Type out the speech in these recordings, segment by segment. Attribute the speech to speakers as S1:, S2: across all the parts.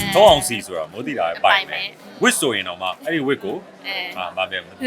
S1: ထောင်းအောင်စီဆိုတာမိုးတိတာပဲပိုင်မယ်ဝစ်ဆိုရင်တော့မှအဲ့ဒီဝစ်ကိုမပြတ်ဘူး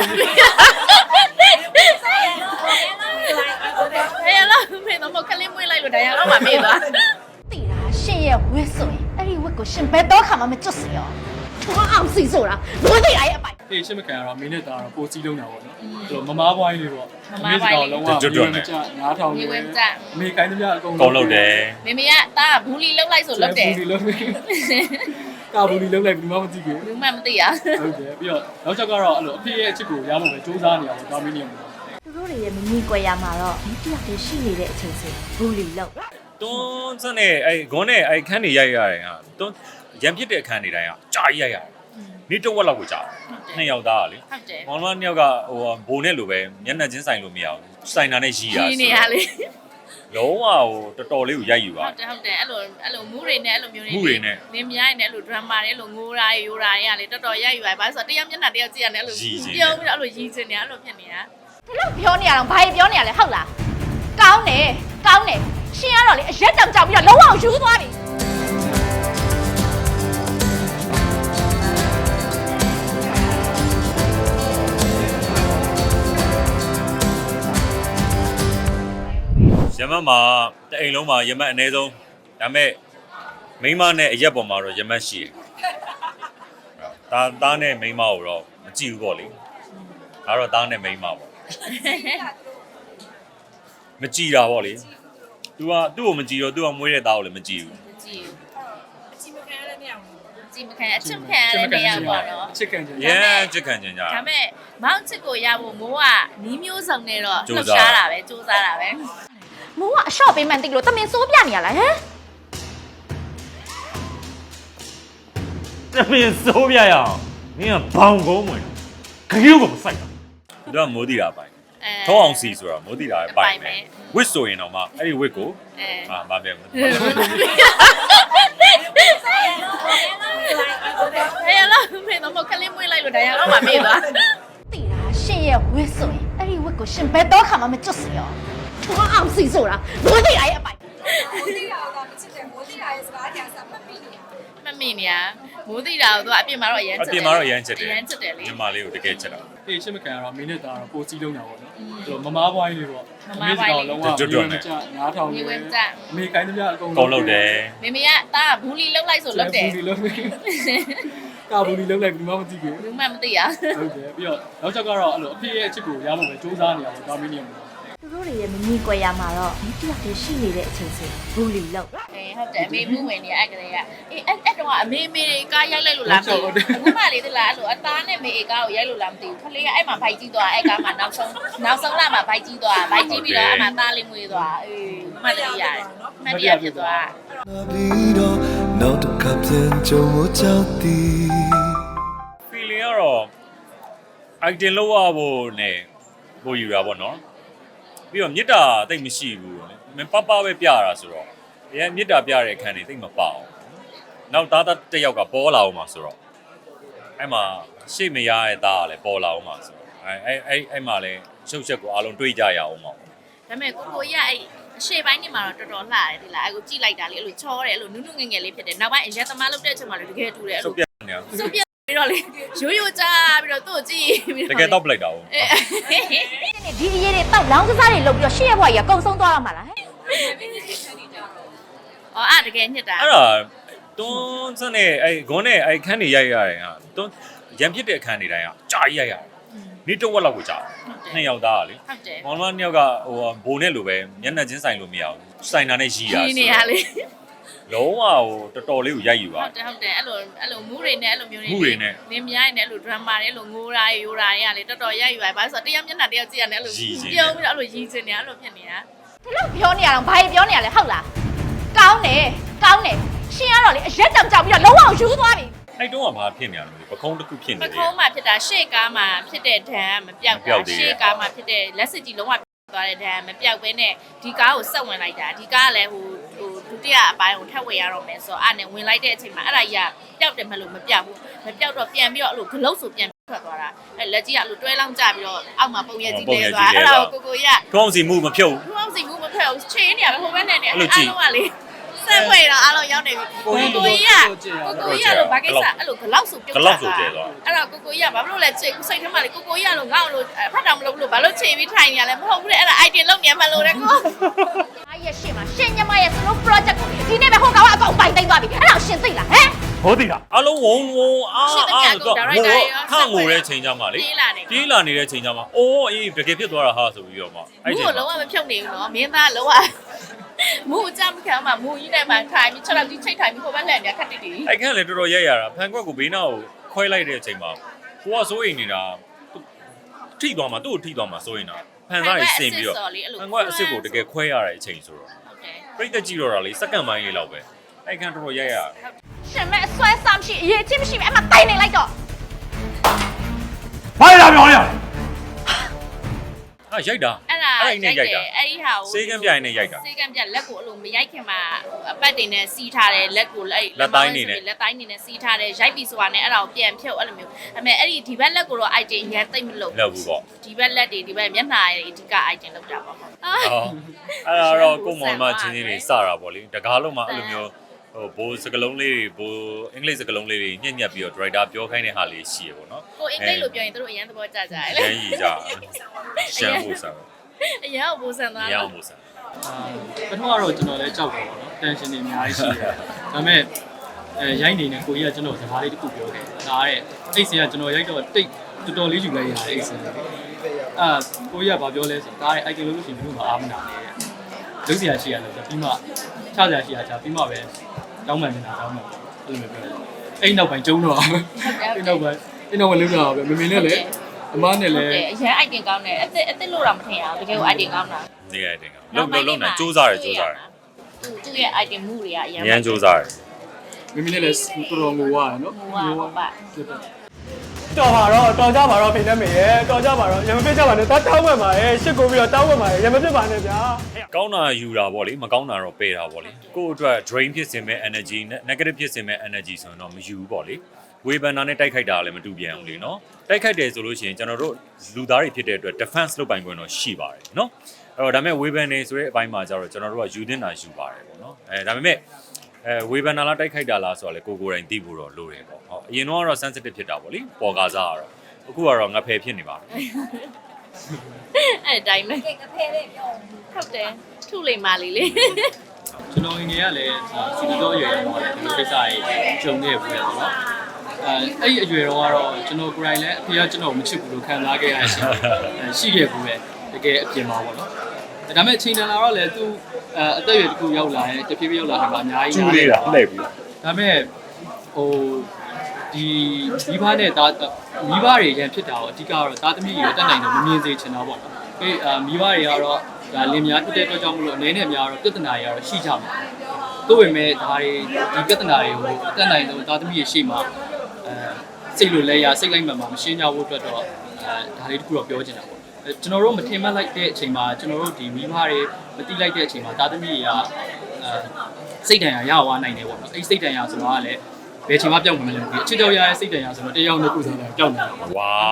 S2: 哎呀，没那么可怜，没来路的呀，老妈没了。
S3: 对啦，现在我说，哎，我个先别多看嘛，没就是哟。我熬死做啦，我得来一摆。
S4: အေးရှင်းမခံရတော့မင်းနဲ့တာတော့ပိုကြီးလုံးတာပေါ့နော်အဲ့တော့မမားပွိုင်းလေးပေါ့လုံးဝကျွတ်နဲ့9000လေးအမေကိုင်းသမျှအကုန်
S1: လုပ်တယ်
S2: 妹妹呀，打bullyလုံးလိုက်ဆိုလုပ်တယ်
S4: ဘူးလီလုံးကာဘူးလီလုံးလိုက်ဘူးမသိဘူး
S2: ဘူးမှမသိရ
S4: ဟုတ်တယ်ပြီးတော့နောက်ချက်ကတော့အဲ့လိုအဖေရဲ့အချစ်ကိုရဖို့ပဲစူးစမ်းနေရပါတော့ဒါမင်းနေမှာ
S3: သူတို့တွေရဲ့မမီကွယ်ရမှာတော့ဒီတယောက်တည်းရှိနေတဲ့အချိန်စီဘူးလီလောက်
S1: တွန်းစနဲ့အဲ့ဂွန်းနဲ့အဲ့ခန်းနေရိုက်ရတယ်ဟာတွန်းရံပြစ်တဲ့အခန်းနေတိုင်းကကြာရိုက်ရတယ်နေ့တော့ဝက်လောက်ကိုကြာနှစ်ယောက်သားလေ
S2: ဟုတ်တယ်
S1: မောင်မနှစ်ယောက်ကဟိုဘိုနဲ့လိုပဲမျက်နှာချင်းဆိုင်လို့မရဘူးဆိုင်တာနဲ့ရီးတာ
S2: နေရလေ
S1: လုံးဝဟိုတော်တော်လေးကိုရိုက်ယူပါ
S2: ဟုတ်တယ်အဲ့လိုမူးတွေနဲ့အဲ့လိုမျိုးတွေနင်းမြိုင်းနဲ့အဲ့လို drama တွေအဲ့လိုငိုတာရိုးတာတွေကလေတော်တော်ရိုက်ယူပါဘာလို့ဆိုတော့တရားမျက်နှာတရားကြည့်ရတယ်အဲ့လိုပြုံးပြီးတော့အဲ့လိုရီးချင်နေအဲ့လိုဖြစ်နေတာ
S3: ဒီလိုပြောနေရအောင်ဘာပြောနေရလဲဟုတ်လားကောင်းတယ်ရှင်ကတော့လေအရက်တောင်ကြောက်ပြီးတော့လုံးဝယူသွားပြီ
S1: ရမတ်မှာတအိမ်လုံးမှာရမတ်အနည်းဆုံးဒါပေမဲ့မိန်းမနဲ့အရက်ပေါ်မှာတော့ရမတ်ရှိတယ်။သားနဲ့မိန်းမကိုတော့မကြည့်ဘူးပေါ့လေ။ဒါတော့သားနဲ့မိန်းမပေါ့။မကြည့်တာပေါ့လေ။ तू ကသူ့ကိုမကြည့်တော့ तू ကမွေးတဲ့သားကိုလည်းမကြည့်ဘူး
S2: ။မကြည့်ဘူး။အချစ်မခံရတဲ့နေရာကိုကြည့်မခံအချစ်မခံရတဲ့နေရာပေါ့နော်
S4: ။အချစ်ခံကြ
S1: ။ချစ်ခံကြကြ
S2: ။ဒါပေမဲ့မောင်ချစ်ကိုရဖို့မိုးကနီးမျိုးစုံနေတော့လှုပ်ရှားတာပဲစူးစမ်းတာပဲ။
S3: မိုးကအရှော့ပေးမှန်သိလို့တမင်စိုးပြနေရလားဟမ်
S1: တမင်စိုးပြရအောင်မင်းကဘောင်ကုန်းဝင်ခရုကိုမဆိုင်တာသူကမိုးတိတာပိုင်ထောင်းအောင်စီဆိုတာမိုးတိတာပဲပိုင်မယ်ဝစ်ဆိုရင်တော့မှအဲ့ဒီဝစ်ကိုမပြတ်ဘူး
S2: 哎呀，没那么可怜，没来路的呀，老妈没了。
S3: 对啦，现在我说，哎，我个先别多看嘛，没就是哟。我熬死做啦，我得来一摆。
S5: 我哋又咁出嚟，我哋又係話聽什麼邊呀？
S2: မမင်းညာမိုးတိတာတော့အပြင်မှာတော့အရန်ချက်တယ်
S1: အပြင်မှာတော့အရန်ချက်တယ်
S2: အရန်ချက်တယ်လေ
S1: ညီမလေးကိုတကယ်ချက်တာ
S4: အေးရှင်းမခံရတော့မင်းနဲ့တာတော့ပိုကြီးလုံးတာပေါ့နော်အဲ့တော့မမားပွိုင်းလေးပေါ့လုံးဝ
S1: ကျွတ်နဲ့
S4: 9000လေးအမေကိုင်းသမျှအကုန်
S1: လုပ်တယ်
S2: မေမေကတာဘူးလီလုံးလိုက်ဆိုလုပ်တယ်
S4: ဘူးလီလုံးကာဘူးလီလုံးလိုက်ဘူးမသိဘူး
S2: ဘူးမှမသိရ
S4: ဟုတ်တယ်ပြီးတော့နောက်ချက်ကတော့အဲ့လိုအဖေရဲ့အချစ်ကိုရဖို့ပဲစူးစမ်းနေရပါတော့ဒါမင်းနေမှာ
S3: သူတို့တွေရဲ့မမီကွယ်ရမှာတော့ဒီတယောက်တည်းရှိနေတဲ့အချိန်စီဘူးလီလောက်
S2: ဟုတ်တယ်အမေမှုဝင်နေအဲ့ကလေးကအေးအဲ့တော့အမေမေတွေကရိုက်လိုက်လို့လားမသိဘူးအခုမှလေးသလားအဲ့လိုအသားနဲ့မေကားကိုရိုက်လို့လားမသိဘူးခလေးကအဲ့မှာဘိုက်ကြီးသွားအဲ့ကားမှာနောက်ဆုံးလာမှာဘိုက်ကြီးသွားဘိုက်ကြီးပြီးတော့အဲ့မှာသားလေးမွေးသွားအေးမှတ်တယ်ရတယ်မှတ်ရဖြစ်သွား
S6: နောက်တစ်ခါပြန်ကြုံဖို့ကြောက်သည်
S1: feeling ကတော့ item လောက်ရဖို့နဲ့ပို့ယူတာပေါ့နော်ပြီးတော့မြစ်တာတိတ်မရှိဘူးမင်းပပပဲပြတာဆိုတော့အရင်မြစ်တာပြတဲ့အခန်းတွေတိတ်မပေါအောင်နောက်သားတစ်ယောက်ကပေါ်လာအောင်မှာဆိုတော့အဲ့မှာရှေ့မရတဲ့သားကလည်းပေါ်လာအောင်မှာဆိုတော့အဲ့မှာလည်းရှုပ်ချက်ကိုအားလုံးတွေးကြရအောင်ပါ
S2: ဒါပေမဲ့ကိုရအဲ့အရှေ့ပိုင်းနေမှာတော့တော်တော်လှတယ်ဒီလားအဲ့ကိုကြည့်လိုက်တာလေအဲ့လိုချောတယ်အဲ့လိုနုနုငယ်ငယ်လေးဖြစ်တယ်နောက်ပိုင်းအရက်သမားလုပ်တဲ့အချိန်မှာလည်းတကယ်တူတယ်အဲ့လို
S1: စုပ်ပြနေ
S2: စုပ်ပြပြီးတော့လေရိုးကြပြီးတော့သူ့ကိုကြည့်ပြီး
S1: တော့တကယ်တော့ပလိုက်တာဟုတ်
S3: ဒီအရေးတွေတောက်လောင်းကစားတွေလုပ်ပြီးတော့ရှေ့ရဘွားကြီးကကုံဆုံးသွားရမှာလားဟဲ့
S2: အော်အဲ့တကယ်ညစ်တာ
S1: အဲ့ဒါတွန်းစနဲ့အဲ့ဂွန်းနဲ့အဲ့ခန်းနေရိုက်ရတယ်ဟာတွန်းရံပြစ်တဲ့အခန်းနေတိုင်းကကြာရိုက်ရတယ်နေ့တော့ဝက်လောက်ကိုကြာနှစ်ယောက်သားလေ
S2: ဟုတ်တယ်
S1: မောင်မနှစ်ယောက်ကဟိုဘိုနဲ့လိုပဲမျက်နှာချင်းဆိုင်လို့မရဘူးဆိုင်တာနဲ့ရီးတာ
S2: နေရလေ
S1: လုံးဝဟိုတော်တော်လေးကိုရိုက်ယူပါ
S2: ဟုတ်တယ်အဲ့လိုမူးတွေနဲ့အဲ့လိုမျိုးတွေနင်းမြိုင်းနဲ့အဲ့လို drama တွေအဲ့လိုငိုတာရိုးတာတွေကလေတော်တော်ရိုက်ယူပါဘာလို့ဆိုတော့တရားမျက်နှာတရားကြည့်ရတယ်အဲ့လိုပြုံးပြီးတော့အဲ့လိုရီးချင်နေအဲ့လိုဖြစ်နေတာ
S3: ဒီလိုပြောနေရအောင်ဘာပြောနေရလဲဟုတ်လားကောင်းတယ်ရှင်ကတော့လေအရက်တောင်ကြောက်ပြီးတော့လုံးဝယူသွားပြီ
S1: အဲ့တုန်းကဘာဖြစ်နေရလဲပခုံးတစ်ခုဖြစ်နေတယ်
S2: ပခုံးမှာဖြစ်တာရှေ့ကားမှာဖြစ်တဲ့ဒဏ်မပြောက်တာရှေ့ကားမှာဖြစ်တဲ့လက်စစ်ကြီးလုံးဝသွားတဲ့ဒဏ်မပြောက်ဘဲနဲ့ဒီကားကိုဆက်ဝင်လိုက်တာဒီကားကလည်းဟိုဒုတိယအပိုင်းကိုထပ်ဝင်ရတော့မယ်ဆိုတော့အဲ့နဲ့ဝင်လိုက်တဲ့အချိန်မှာအဲ့ဒါကြီးကပျောက်တယ်မလို့မပြောက်ဘူးမပြောက်တော့ပြန်ပြီးတော့အဲ့လိုဂလုတ်ဆိုပြန်ထွက်သွားတာအဲ့လက်ကြီးကအဲ့လိုတွဲလောင်းကြပြီးတော့အောက်မှာပုံရက်ကြီးလဲသွားအဲ့ဒါကိုကိုရ
S1: ထုံးစီမှုမဖြုတ်
S2: ထုံးစီမှုမဖြုတ်ချင်းနေရပဲဟိုဘက်နဲ့နေအဲ့လိုကလေစဆက်ဖွဲ့တော့အားလုံးရောက်နေပြီကိုကြီးကတော့ဘာကိစ္စအဲ့လိုဂလောက်ဆိုပြုတ်တာအဲ့တော့ကိုကြီးကဘာလို့လဲစိတ်ထဲမှာလေကိုကြီးကလို့ငါ့လို့ဖတ်တာမလုပ်လို့ဘာလို့ချိန်ပြီးထိုင်နေရလဲမဟုတ်ဘူးလေအဲ့ဒါ item လုပ်နေမှလို့တဲ့ကို
S3: အားရရှင်းမှာရှင်းညမရဲ့စလုံး project ကိုဒီနေ့ပဲဟိုကောင်ကအကောင်ပိုင်သိမ်းသွားပြီအဲ့ဒါရှင်းသိလားဟမ်
S1: ဟောသိလားအလုံးဝုံတော့ခန့်ငိုတဲ့ချိန်ကြမှာလေပြေးလာနေတဲ့ချိန်ကြမှာအိုးအေးတကယ်ဖြစ်သွားတာဟာဆိုပြီးတော့မှ
S2: အဲ့ချိန်လုံးဝမဖြုတ်နေဘူးနော်မင်းသားလုံးဝမူအကြမ်းခံမှာမူကြီးနဲ့မှထိုင်ပြီး6လောက်ကြီးချိတ်ထိုင်ပြီးဟိုဘက်လည်းအများခက်တိတိ
S1: အဲ့ခန့်လည်းတော်တော်ရိုက်ရတာဖန်ခွက်ကိုဘေးနားကိုခွဲလိုက်တဲ့အချိန်မှာကိုကစိုးရိမ်နေတာထိသွားမှာသူ့ကိုထိသွားမှာစိုးရိမ်တာဖန်သားကြီးစင်ပြီးတော့ဖန်ခွက်အစ်စ်ကိုတကယ်ခွဲရတဲ့အချိန်ဆိုတော့ပြိတ္တကြည့်တော့တာလေစက္ကန့်ပိုင်းလေးလောက်ပဲအဲ့ခန့်တော်တော်ရိုက်ရတာ
S3: ရှင်မဲအစွဲစားမရှိအရေးချင်းမရှိပဲအမှတိုင်နေလိုက်တော့
S1: ဘာလဲပြောရရိုက်တာ
S2: အဲ့နဲ့ရိုက်တာအဲ့ဒီဟာကို
S1: စေးကမ်းပြိုင်နဲ့ရိုက်တာ
S2: စေးကမ်းပြလက်ကိုအဲ့လိုမရိုက်ခင်မှာအပတ်တင်နဲ့စီးထားတယ်လက်ကို
S1: လက်တိုင်းနေ
S2: နဲ့စီးထားတယ်ရိုက်ပြီးဆိုတာနဲ့အဲ့ဒါကိုပြန်ဖြုတ်အဲ့လိုမျိုးအမေအဲ့ဒီဘက်လက်ကိုတော့ item ရန်သိမ့်မလို့
S1: ဘူးပေါ့
S2: ဒီဘက်လက်တွေဒီဘက်မျက်နှာတွေအဓိက item လောက်တာပေါ့
S1: အဲ့ဒါတော့ကိုမောင်မချင်းချင်းတွေစတာပေါ့လေတကားလုံးမှာအဲ့လိုမျိုးဟိုဘိုးစကလုံးလေးတွေဘိုးအင်္ဂလိပ်စကလုံးလေးတွေညက်ပြီးတော့ director ပြောခိုင်းတဲ့ဟာလေးရှိရပေါ့နော်
S2: ကိုအင်္ဂလိပ်လိုပြောရင်တို့အရန်သဘောကျကြတယ်
S1: လေရန်ကြီးကြရှမ်းဖို့စား
S2: အရန်ဖို့ဆန်သွား
S1: ရန်ဖို့စား
S4: ပထမတော့ကျွန်တော်လည်းကြောက်တယ်ပေါ့နော်တန်ရှင်တွေအများကြီးရှိတယ်ဒါပေမဲ့ရိုက်နေနဲ့ကိုကြီးကကျွန်တော်စကားလေးတစ်ခုပြောခဲ့ဒါတဲ့အိတ်စင်ကကျွန်တော်ရိုက်တော့တိတ်တော်တော်လေးယူလိုက်ရတယ်အိတ်စင်ကိုကြီးကဘာပြောလဲဆိုဒါတဲ့ item လို့ရှိရင်ဘယ်လိုမှအားမနာနဲ့လုပ်စရာရှိရလို့ပြီးမှချစရာရှိရချပြီးမှပဲတောင်းမှန်နေတာတောင်းမှန်အဲ့လိုမျိုးပြောတယ်အဲ့နောက်ပိုင်းကျုံတော့အဲ့နောက်ပိုင်းလုံးတော့ပဲမမေနဲ့လည်းအမားနဲ့လည်း
S2: အရန် item ကောင်းတယ်အစ်လို့တော့မထင်ရဘူးတကယ်ကို item ကောင်းတာ
S1: နေ item ကောင်းလုံးနေစူးစားတယ်
S2: သူ့ရဲ့ item မှုတွေကအ
S1: ရန်စူးစားတယ်
S4: မမေနဲ့လည်းတော်တော်ငိုရတယ်နော်
S2: ငိုပါပါ
S4: တော်ပါတော့တော်ကြပါတော့ဖိနေမေရဲ့တော်ကြပါတော့ရမပြစ်ကြပါနဲ့တောင်းဝင်ပါရဲ့ရှစ်ကိုပြီးတော့တောင်းဝင်ပါရဲ့ရမပြစ်ပါနဲ့ဗျာ
S1: ကောင်းတာယူတာပေါ့လေမကောင်းတာတော့ပယ်တာပေါ့လေကိုယ့်အတွက် drain ဖြစ်စင်မဲ့ energy negative ဖြစ်စင်မဲ့ energy ဆိုတော့မယူဘူးပေါ့လေဝေဘန်နာနဲ့တိုက်ခိုက်တာလည်းမတူပြန်ဘူးလေနော်တိုက်ခိုက်တယ်ဆိုလို့ရှိရင်ကျွန်တော်တို့လူသားတွေဖြစ်တဲ့အတွက် defense လုပ်ပိုင်ခွင့်တော့ရှိပါတယ်နော်အဲ့တော့ဒါပေမဲ့ဝေဘန်နေဆိုတဲ့အပိုင်းမှာကျတော့ကျွန်တော်တို့ကယူတင်တာယူပါတယ်ပေါ့နော်ဒါပေမဲ့ဝေဘန်နာလားတိုက်ခိုက်တာလားဆိုတော့လေကိုယ်တိုင်သိဖို့တော့လိုတယ်ပေါ့ဟုတ်အရင်တော့ sensitive ဖြစ်တာပေါ့လေပေါ်ကားစားကတော့အခုကတော့ငါဖယ်ဖြစ်နေပါပြီ
S2: အဲ့အတိုင်းပဲ
S5: ငါဖယ်လေးပြော
S2: ဟုတ်တယ်ထုလိမ္မာလေးလေ
S4: ကျွန်တော်ငယ်ငယ်ကလည်းစီတီတော့အရွယ်တော့လည်းဒီလိုကိစ္စကြီးဂျုံနေပြီလေနော်အဲ့ဒီအရွယ်တော့ကတော့ကျွန်တော်ကိုယ်တိုင်လည်းအဖေကကျွန်တော်မချစ်ဘူးလို့ခံစားခဲ့ရရှိခဲ့ဘူးပဲတကယ်အပြင်မှာပေါ့နော်ဒါပေမဲ့ချိန်တန်လာတော့လည်းသူအသက်အရွယ်တစ်ခုရောက်လာရင်တဖြည်းဖြည်းရောက်လာတယ်မှာအများကြီး
S1: ကျူးလေးတာလှည့်ပြီး
S4: ဒါပေမဲ့ဟိုဒီမိဘနဲ့မိဘတွေရန်ဖြစ်တာတော့အဓိကတော့သားသမီးတွေတက်နိုင်တော့မမြင်စေချင်တာပေါ့နော်မိဘတွေကတော့ဒါလင်များဖြစ်တဲ့အတွက်ကြောင့်မလို့အနေနဲ့များတော့ပြဿနာတွေကတော့ရှိကြမှာသို့ပေမဲ့ဒါတွေဒီပြဿနာတွေကိုတက်နိုင်တော့သားသမီးတွေရှိမှစိတ်လိုလဲရစိတ်လိုက်မှမရှင်းကြဖို့အတွက်တော့ဒါလေးတခုတော့ပြောချင်တာပေါ့ကျွန်တော်တို့မထင်မှတ်လိုက်တဲ့အချိန်မှာကျွန်တော်တို့ဒီမိဘတွေမတိလိုက်တဲ့အချိန်မှာသားသမီးတွေကစိတ်တန်ရာရသွားနိုင်တယ်ပေါ့နော်အဲ့စိတ်တန်ရာဆိုတာကလည်းဘယ်ချိန်မှပြောင်းမလဲမသိဘူးအချစ်တော်ရရဲ့စိတ်တန်ရာဆိုတော့တရားနှစ်ခုဆိုတာပြောင်းနေတာပေါ့
S1: ဝါ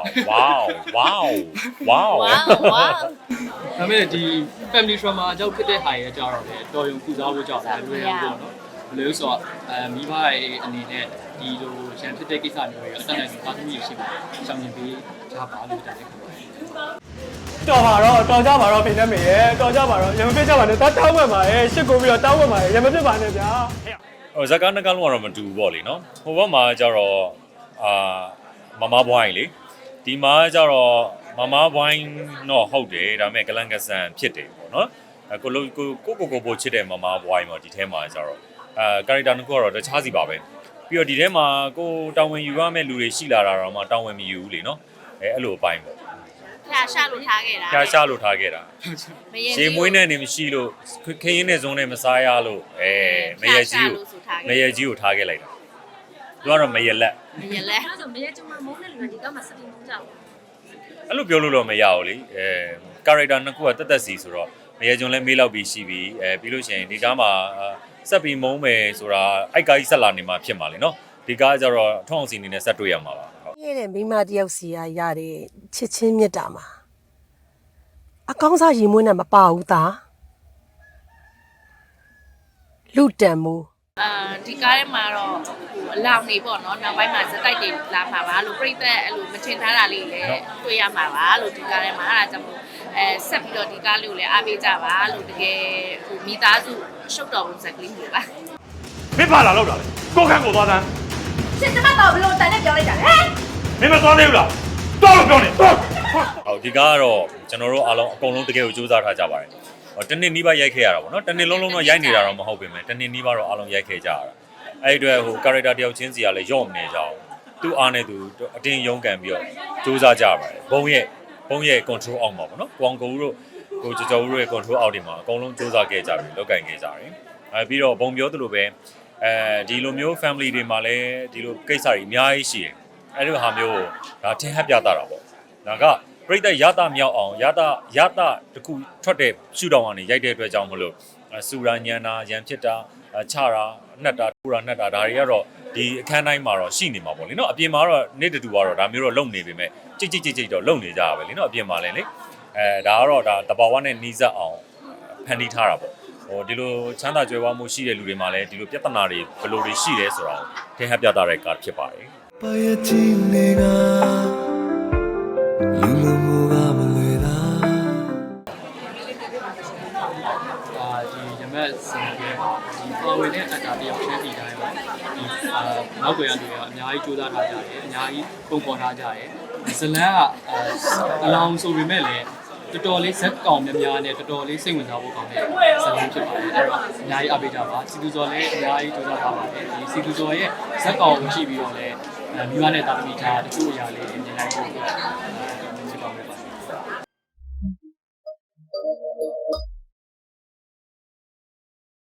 S4: ဒါပေမဲ့ဒီ family trauma အကြောင်းဖြစ်တဲ့ဟာရဲ့အကြောင်းတော့လေတော်ရုံကုစားဖို့ကြောင့်လည်းလွယ်ရောပေါ့နော်ဘယ်လိုဆိုတော့မိဘရဲ့အနေနဲ့ဒီလိုရန်ဖြစ်တဲ့ကိစ္စမျိုးတွေအတက်နိုင်သားသမီးတွေရှိပါတယ်ရှောင်ရင်ပေးကြပါလို့တက်တယ်တော်ပါတော့တော်ကြပါတော့ဖိနေမေရဲ့တော်ကြပါတော့ရမပြစ်ကြပါနဲ့တောင်းဝင်ပါရဲ့ရှစ်ကိုပြီးတော့တောင်းဝင်ပါရဲ့ရမပြစ်ပါနဲ့ဗျာ
S1: ဇကာနကလုံးကတော့မတူဘူးပေါ့လေနော်ဟိုဘက်မှာကျတော့မမဘွိုင်းလေဒီမှာကျတော့မမဘွိုင်းတော့ဟုတ်တယ်ဒါပေမဲ့ကလန်ကဆန်ဖြစ်တယ်ပေါ့နော်ကိုပိုချစ်တဲ့မမဘွိုင်းပေါ့ဒီထဲမှာကျတော့ကာရက်တာတစ်ခုကတော့တခြားစီပါပဲပြီးတော့ဒီထဲမှာကိုတောင်းဝင်ယူရမယ့်လူတွေရှိလာတာတော့မှတောင်းဝင်မယူဘူးလေနော်အဲ့လိုအပိုင်းပေါ့
S2: ဖျားရှာလို့ထားခဲ့တာ
S1: ရေမွေးနဲ့နေမရှိလို့ခင်းရင်းနဲ့ဇုံးနဲ့မစားရလို့မရကြီးကိုထားခဲ့လိုက်တာသူကတော့မရလက်
S5: အဲ့ဆိုမရကျမမုန်းတဲ့လူကဒီကမှစပင်းမုန်းကြဘူး
S1: အဲ့လိုပြောလို့တော့မရဘူးလေကာရက်တာနှစ်ခုကတက်တက်စီဆိုတော့မရကျုံလဲမေးလောက်ပြီးရှိပြီးပြီးလို့ရှိရင်ဒီကားမှာဆက်ပြီးမုန်းမယ်ဆိုတာအိုက်ကားကြီးဆက်လာနေမှာဖြစ်မှာလေနော်ဒီကားကျတော့ထောင်းစီအနေနဲ့ဆက်တွေ့ရမှာပါ
S7: ရဲ့တဲ့မိမတယောက်စီရတဲ့ချစ်ချင်းမြတ်တာမှာအကောင်းစားရီမွေးနဲ့မပါဘူးသားလူတန်မှု
S2: ဒီကားထဲမှာတော့အလောင်နေပေါ့နော်နောက်ပိုင်းမှာစတိုက်တွေလာမှာပါလို့ပြိသက်အဲ့လိုမချင်ထားတာလေးလည်းတွေ့ရမှာပါလို့ဒီကားထဲမှာအဲ့ဒါကြောင့်မို့ဆက်ပြီးတော့ဒီကားလေးကိုလည်းအားပေးကြပါလို့တကယ်မိသားစုရှုပ်တော်ပုံစံကလေးမျိုးပါ
S8: မင်းပါလာလောက်တာလေကိုခန့်ကိုသွားတန်း
S3: ရှင်ကျမတော့ဘလို့တန်နဲ့ပြောလိုက်ကြတယ်ဟဲ့
S8: မင်းမသွားသေးဘူးလားသွားလို့ပြောနေသွား
S1: ဟုတ်ဒီကားကတော့ကျွန်တော်တို့အားလုံးအကုန်လုံးတကယ်ကိုစူးစမ်းထားကြပါတယ်တနေ့နီးပါးရိုက်ခဲ့ရတာပေါ့နော်တနေ့လုံးလုံးတော့ရိုက်နေတာတော့မဟုတ်ပေမဲ့တနေ့နီးပါးတော့အားလုံးရိုက်ခဲ့ကြရတာအဲ့ဒီအတွက်ဟို character တယောက်ချင်းစီကလည်းရော့မနေကြအောင်သူ့အားနဲ့သူအတင်းရုန်းကန်ပြီးတော့စူးစမ်းကြပါတယ်ဘုံရဲ့ control အောက်မှာပေါ့နော်ကွန်ကူတို့ကိုကျော်ကျော်တို့ရဲ့ control အောက်တွေမှာအကုန်လုံးစူးစမ်းခဲ့ကြပြီလောက်ကင်ခဲ့ကြတယ်ပြီးတော့ဘုံပြောသလိုပဲဒီလိုမျိုး family တွေမှာလည်းဒီလိုကိစ္စတွေအများကြီးရှိတယ်အဲ့ဒီဟာမျိုးဒါထင်ဟပ်ပြတာတော့ပေါ့ဒါကပြိတ္တရတာမြောက်အောင်ရတာတခုထွက်တဲ့ရှုထောင့်ကနေရိုက်တဲ့အတွက်ကြောင့်မလို့စူရာညံတာရံဖြစ်တာချတာနှက်တာထူတာနှက်တာဒါတွေကတော့ဒီအခန်းတိုင်းမှာတော့ရှိနေမှာပေါ့လေနော်အပြင်မှာတော့နေ့တူကတော့ဒါမျိုးတော့လုံနေပေမဲ့ကြိတ်တော့လုံနေကြရပဲလေနော်အပြင်မှာလည်းလေဒါကတော့ဒါတဘာဝနဲ့နီးစပ်အောင်ဖန်တီးထားတာပေါ့ဟိုဒီလိုချမ်းသာကြွယ်ဝမှုရှိတဲ့လူတွေမှာလည်းဒီလိုပြဿနာတွေဘယ်လိုတွေရှိလဲဆိုတာကိုထင်ဟပ်ပြတာတဲ့ကားဖြစ်ပါတယ်
S6: ပါရချင်းနေကလူလူမူကမလွေတာ
S4: ဒီရမက်စင်ကဒီပါဝင်တဲ့အတားတယောက်ချင်းစီတိုင်းပါဒီနောက်ွယ်ရတွေကအများကြီးကြိုးစားထားကြတယ်အများကြီးပုံပေါ်ထားကြတယ်ဇလန်းကအလောင်းဆိုပေမဲ့လည်းတော်တော်လေးဇက်ကောင်များများနဲ့တော်တော်လေးစိတ်ဝင်စားဖို့ကောင်းတဲ့ဇလန်းဖြစ်ပါတယ်အဲ့တော့အများကြီးအားပေးကြပါစီတူဇော်လည်းအများကြီးကြိုးစားထားပါတယ်ဒီစီတူဇော်ရဲ့ဇက်ကောင်ကိုကြည့်ပြီးတော့လည်းမိဘနဲ့တာသမီထားတချို့အရာလေးအများကြီး